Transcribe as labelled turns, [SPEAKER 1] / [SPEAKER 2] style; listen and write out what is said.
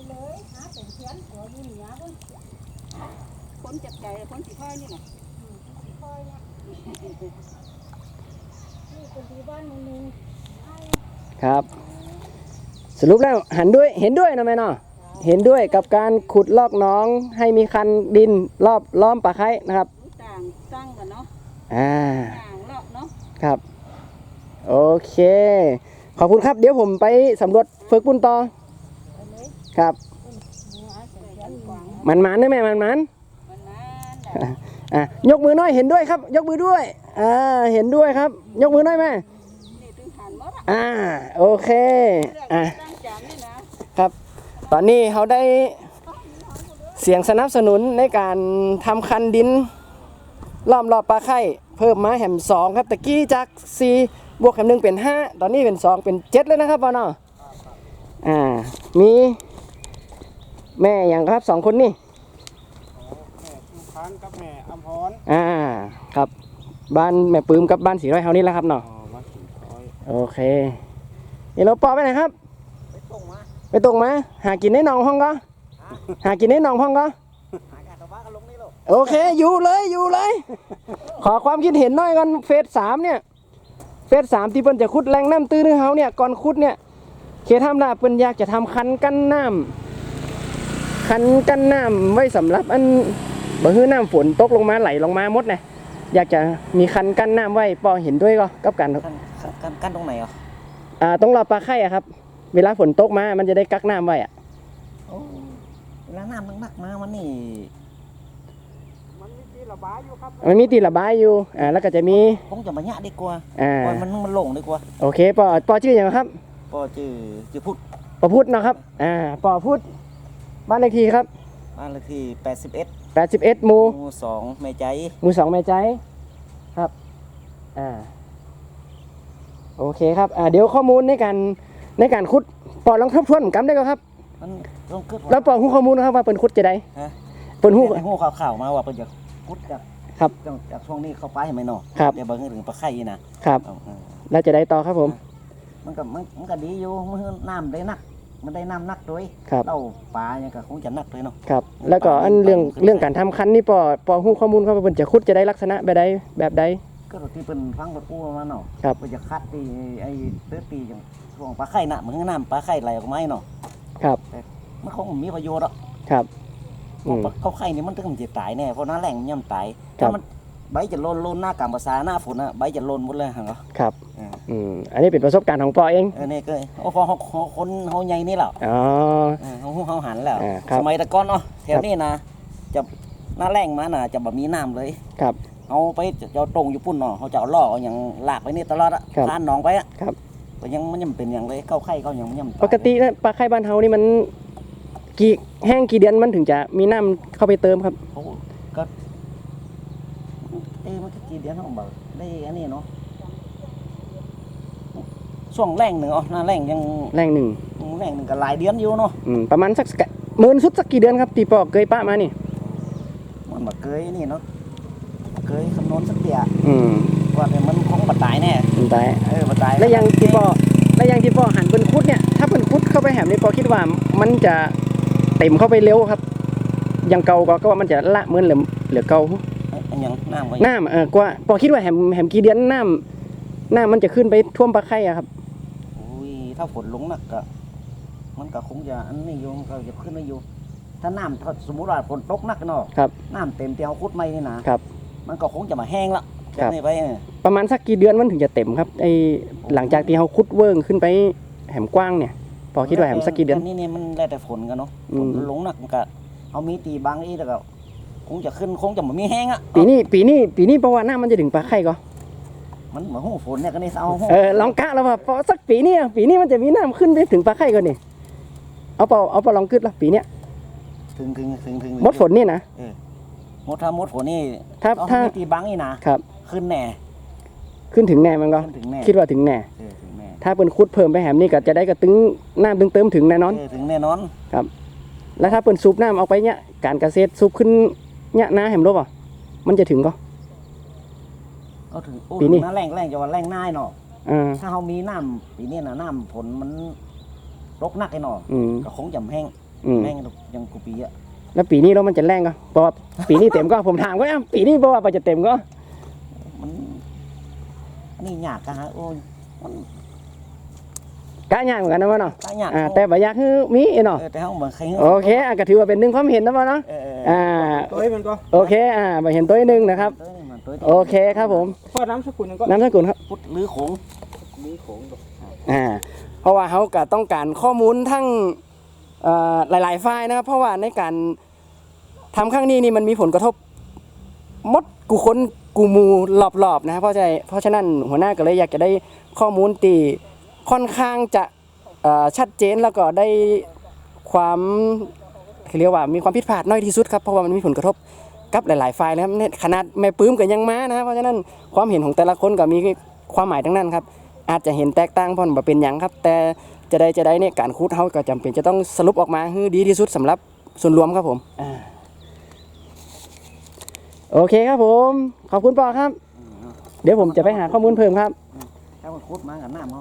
[SPEAKER 1] เลยหาเป็นเพี้ยนหัวอยู่เหนือพุ่นคนจับใจคนสีค่อยนี่แหละสีค่อยเนี่ยนี่เป็นที่บ้านนึง
[SPEAKER 2] ครับสรุปแล้วเห็นด้วยนะแม่เนาะเห็นด้วยกับการขุดลอกหนองให้มีคันดินรอบล้อมปลาไคร้นะครับ
[SPEAKER 1] ต่างตั้งกันเนาะ
[SPEAKER 2] ต่
[SPEAKER 1] างเลาะเนาะ
[SPEAKER 2] ครับโอเคขอบคุณครับเดี๋ยวผมไปสำรวจเฟิร์กปุ่นต่อครับมันได้ไหมมันยกมือน้อยเห็นด้วยครับยกมือด้วยเห็นด้วยครับยกมือน้อยไหมโอเคครับตอนนี้เขาได้เสียงสนับสนุนในการทำคันดินล้อมรอบปลาไข่เพิ่มมาแหม2ครับตะกี้จาก4บวกแหม1เป็น5ตอนนี้เป็น2เป็น7เลยนะครับพ่อเนาะมีแม่อย่างครับ2คนนี่
[SPEAKER 3] แม่ชูพันกับแม่อัมพร
[SPEAKER 2] ครับบ้านแม่ปื้มกับบ้านสีร้อยเฮานี่แหละครับเนาะโอเคนี่เราปอไปไหนครับไปตรงมาหากินในหนองห้องก็หากินในหนองห้องก็โอเคอยู่เลยขอความคิดเห็นหน่อยกันเฟส3เนี่ยเฟส3ที่เปิ้นจะขุดแรงน้ำตื้นเฮาเนี่ยก่อนขุดเนี่ยเขตทำได้เปิ้นอยากจะทำคันกั้นน้ำไว้สำหรับอันบ่ฮื้อน้ำฝนตกลงมาไหลลงมาหมดนะอยากจะมีคันกั้นน้ำไว้ปอเห็นด้วยก็กับกัน
[SPEAKER 4] กั้นตรงไหนอ่ะ
[SPEAKER 2] ตรงรอบปลาไข่ครับเวลาฝนตกมามันจะได้กักน้ำไว้
[SPEAKER 4] เวลาน้ำมันมากมามันนี่
[SPEAKER 3] มันมีตีระบายอยู่ครับ
[SPEAKER 2] มันมีตีระบายอยู่แล้วก็จะมี
[SPEAKER 4] คงจะมาหยะดีกว่ามันหลงดีกว่า
[SPEAKER 2] โอเคปอชื่ออย่างครับ
[SPEAKER 4] ปอชื่อพุทธ
[SPEAKER 2] ปอพุทธนะครับปอพุทธบ้านเลขที่ครับ
[SPEAKER 4] บ้านเลขที่
[SPEAKER 2] 81หมู่
[SPEAKER 4] 2แม่ใจ
[SPEAKER 2] หมู่2แม่ใจครับโอเคครับเดี๋ยวข้อมูลในการขุดปอลองทบทวนกันได้ก็ครับแล้วปอหูข้อมูลนะครับว่าเปิ่นขุดจะได้
[SPEAKER 4] เปิ่นหูข่าวมาว่าเปิ่นจะขุดจากช่วงนี้เข้าไปให้ไหมเนาะเดี๋ยวเบิ่งถึงปลาไข่นะครับ
[SPEAKER 2] แล้วจะได้ต่อครับผม
[SPEAKER 4] มันก็ดีอยู่มันน้ำได้นักมันได้น้ำนักด้วยเต้าปลาเนี่ยก็คงจะนักเลยเนาะ
[SPEAKER 2] ครับแล้วก็อันเรื่องการทำคันนี่ปอหูข้อมูลครับว่าเปิ่นจะขุดจะได้ลักษณะแบบใด
[SPEAKER 4] ก็ที่เป็นฟังบทอู้มาเนาะ
[SPEAKER 2] ครับ
[SPEAKER 4] มันจะคัดตีไอ้เตื้อตีอย่างช่วงปลาไข่น่ะมันก็น้ำปลาไข่ไหลออกมาเนาะ
[SPEAKER 2] ครับ
[SPEAKER 4] มันคงมีประโยชน์อ่ะ
[SPEAKER 2] ครับ
[SPEAKER 4] เขาไข่นี่มันถึงจะตายแน่เพราะน้าแรงมันย่ำตายถ้ามันใบจะโลนหน้ากลางภาษาหน้าฝนอ่ะใบจะโลนหมดเลยเหรอ
[SPEAKER 2] ครับอันนี้เป็นประสบการณ์ของปอเอง
[SPEAKER 4] นี่ก็พอคนเขาใหญ่นี่แหละเขาหันแล้วสมัยตะก้อนเนาะแถวนี้นะจะหน้าแรงมาน่ะจะแบบมีน้ำเลย
[SPEAKER 2] ครับ
[SPEAKER 4] เอาไปจะตรงอยู่ปุ่นเนาะเขาจะเอาล่ออย่างหลากไปนี่ตลอดอ่ะผ่านหนองไปอ่ะก็ยังมันยังเป็นอย่างเลยเข้าไข่เขายังมันยัง
[SPEAKER 2] ปกติปลาไข่บ้านเฮานี่มันแห้งกี่เดือนมันถึงจะมีน้ำเข้าไปเติมครับ
[SPEAKER 4] ก็มันกี่เดือนเขาบอกได้อันนี้เนาะช่วงแรงหนึ่งหน้าแรงยัง
[SPEAKER 2] แรงหนึ่ง
[SPEAKER 4] ก็หลายเดือนอยู่เนาะ
[SPEAKER 2] ประมาณสักหมื่นสุดสักกี่เดือนครับตีปอกเคยปะมานี่
[SPEAKER 4] มันแบบเคยนี่เนาะเคยคำนวณสักเดียว่าแต่มันคงบัดตายแน่
[SPEAKER 2] ตาย
[SPEAKER 4] บัดตาย
[SPEAKER 2] แล้วยังตีปอหันเป็นคุดเนี่ยถ้าเป็นคุดเข้าไปแหมนี่ปอคิดว่ามันจะเต็มเข้าไปเร็วครับยังเก่าก็ว่ามันจะละเหมือนเหลือเก่า
[SPEAKER 4] อย่าง
[SPEAKER 2] น้ำกว่าปอคิดว่าแหมกี่เดือนน้ำมันจะขึ้นไปท่วมปลาไข่ครับ
[SPEAKER 4] ถ้าฝนลงหนักก็มันก็คงจะอันนี้อยู่ก็จะขึ้นไม่อยู่ถ้าน้ำสมมติว่าฝนตกหนักเนาะน้ำเต็มเตียวคุดไม่นี่นะมันก็คงจะมาแห้งละจากนี้ไป
[SPEAKER 2] ประมาณสักกี่เดือนมันถึงจะเต็มครับไอหลังจากที่เขาคุดเวิ้งขึ้นไปแหมกว้างเนี่ยพอคิดว่าแหมสักกี่เดือน
[SPEAKER 4] นี่มันแล้วแต่ฝนกันเนาะฝนลงหนักก็เอามีตีบางอีแล้วก็คงจะขึ้นคงจะมามีแห้งอ่ะ
[SPEAKER 2] ปีนี้เพราะว่าน้ำมันจะถึงปลาไข่ก็
[SPEAKER 4] มันเหมือนหูฝนเนี่ยก็นี่
[SPEAKER 2] ลองกะแล้วว่าพอสักปีนี้มันจะมีน้ำขึ้นไปถึงปลาไข่ก่อนนี่เอาเปล่าลองกึดละปีเนี้ย
[SPEAKER 4] ถึง
[SPEAKER 2] มดฝนนี่นะ
[SPEAKER 4] ถ้ามดฝนนี่
[SPEAKER 2] ถ้า
[SPEAKER 4] ตีบังนี่นะครับขึ้นแน่
[SPEAKER 2] ขึ้นถึงแน่มันก็คิดว่าถึงแน่ถ้าเป็นคุดเพิ่มไปแหมนี่ก็จะได้กระตึงน้ำเติมถึงแน่นอน
[SPEAKER 4] ถึงแน่นอน
[SPEAKER 2] ครับแล้วถ้าเป็นซูบน้ำเอาไปเนี่ยการเกษตรซูบขึ้นเนี่ยน้าแหมรู้ป่ะมันจะถึงก็
[SPEAKER 4] ถึงปีนี้แรงจะว่าแรงง่ายเนาะถ้าเขามีน้ำปีนี้นะน้ำฝนมันรกนักไอ้เนาะก็คงจะแห้งแม่งยังกูปีอะ
[SPEAKER 2] แล้วปีนี้แล้วมันจะแรงก็เพราะว่าปีนี้เต็มก็ผมถามก็ปีนี้เพราะว่าจะเต็มก็
[SPEAKER 4] มันอันนี้ยากกันฮะโอ้ยมัน
[SPEAKER 2] กะยากเหมือนกันนะวะเนาะ
[SPEAKER 4] ตายยาก
[SPEAKER 2] แต่บ่อยากคือมีเนาะ
[SPEAKER 4] แต่เขาเหมือนใคร
[SPEAKER 2] โอเคก็ถือว่าเป็นหนึ่งความเห็นนะวะเนาะ
[SPEAKER 3] ตัวให้มันก็
[SPEAKER 2] โอเคบ่เห็นตัวหนึ่งนะครับ โอเคครับผม
[SPEAKER 3] พ่อน้ำสกุลนึงก็
[SPEAKER 2] น้ำสกุลครับ
[SPEAKER 4] พุทธหรือโขง
[SPEAKER 3] มีโขงดอก
[SPEAKER 2] เพราะว่าเขาก็ต้องการข้อมูลทั้งหลายๆฝ่ายนะครับเพราะว่าในการทำครั้งนี้นี่มันมีผลกระทบมดกูคนกูมูรอบๆนะครับเพราะฉะนั้นหัวหน้าก็เลยอยากจะได้ข้อมูลที่ค่อนข้างจะชัดเจนแล้วก็ได้ความเรียกว่ามีความผิดพลาดน้อยที่สุดครับเพราะว่ามันมีผลกระทบกับหลายๆฝ่ายนะครับขนาดแม่ปื้มก็ยังมานะครับเพราะฉะนั้นความเห็นของแต่ละคนก็มีความหมายทั้งนั้นครับอาจจะเห็นแตกต่างเพราะมันเป็นอย่างครับแต่จะได้เนี่ยการคูดเขาก็จำเป็นจะต้องสรุปออกมาให้ดีที่สุดสำหรับส่วนรวมครับผมโอเคครับผมขอบคุณปอครับเดี๋ยวผมจะไปหาข้อมูลเพิ่มครับ
[SPEAKER 4] ถ้ามันคุดมากับน้ำ